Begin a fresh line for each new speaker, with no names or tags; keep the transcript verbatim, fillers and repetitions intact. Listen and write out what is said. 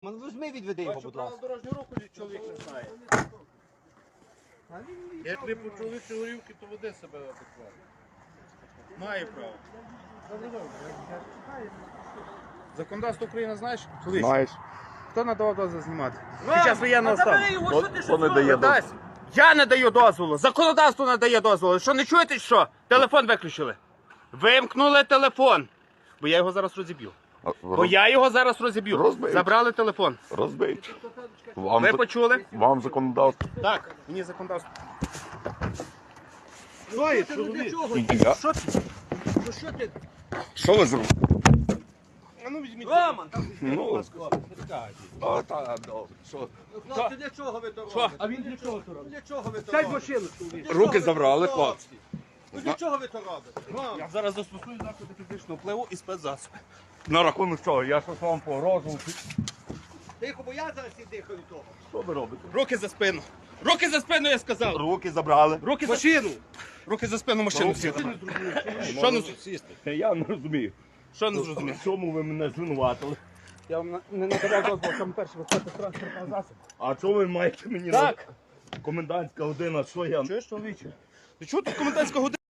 Візьми, відведи його, будь ласка.
Дорожню руку чоловік не знає. Як не по чоловічій горівки, то веде себе адекватно. Має право. Законодавство України знаєш? Чоловік?
Знаєш.
Хто надавав дозвіл знімати? Під час воєнного стану.
Хто, хто не дає дозволу?
Дасть. Я не даю дозволу. Законодавство не дає дозволу. Що, не чуєте, що? Телефон виключили. Вимкнули телефон. Бо я його зараз розіб'ю. Бо я його зараз розіб'ю.
Розбить.
Забрали телефон.
Розбить. Вам,
Ви
за-
почули?
вам законодавство.
Так, мені законодавство.
Ой, чоловік.
Я-
Що ти? Ну що ти?
Що ви зробили?
А ну візьміть.
Роман, там
Ну, а, та, добре. Що?
хлопці, для чого ви то
Що?
робите?
А він для чого то робить?
Для чого ви то
Сядь в
робите?
машину, чоловік.
Для чого
Руки
ви
забрали,
то
хлопці.
робите? Ну для чого ви то робите? Роман,
Я зараз застосую заходи фізичного впливу і спецзасоби.
На рахунок чого? Я щось вам погрожував.
тихо, бо я зараз і дихаю від того.
Що ви робите?
Руки за спину. Руки за спину, я сказав.
Руки забрали.
Руки за машину. Руки за спину машину сіли. Що не сісти?
Я не розумію.
Що не зрозумів?
В чому ви мене звинуватили?
Я вам на- не надавав дозволу, саме перше виходити транспортного засобу.
А чого ви маєте мені
Так.
на комендантська година? Що я?
Чуєш, чоловіче? Ти чого тут комендантська година?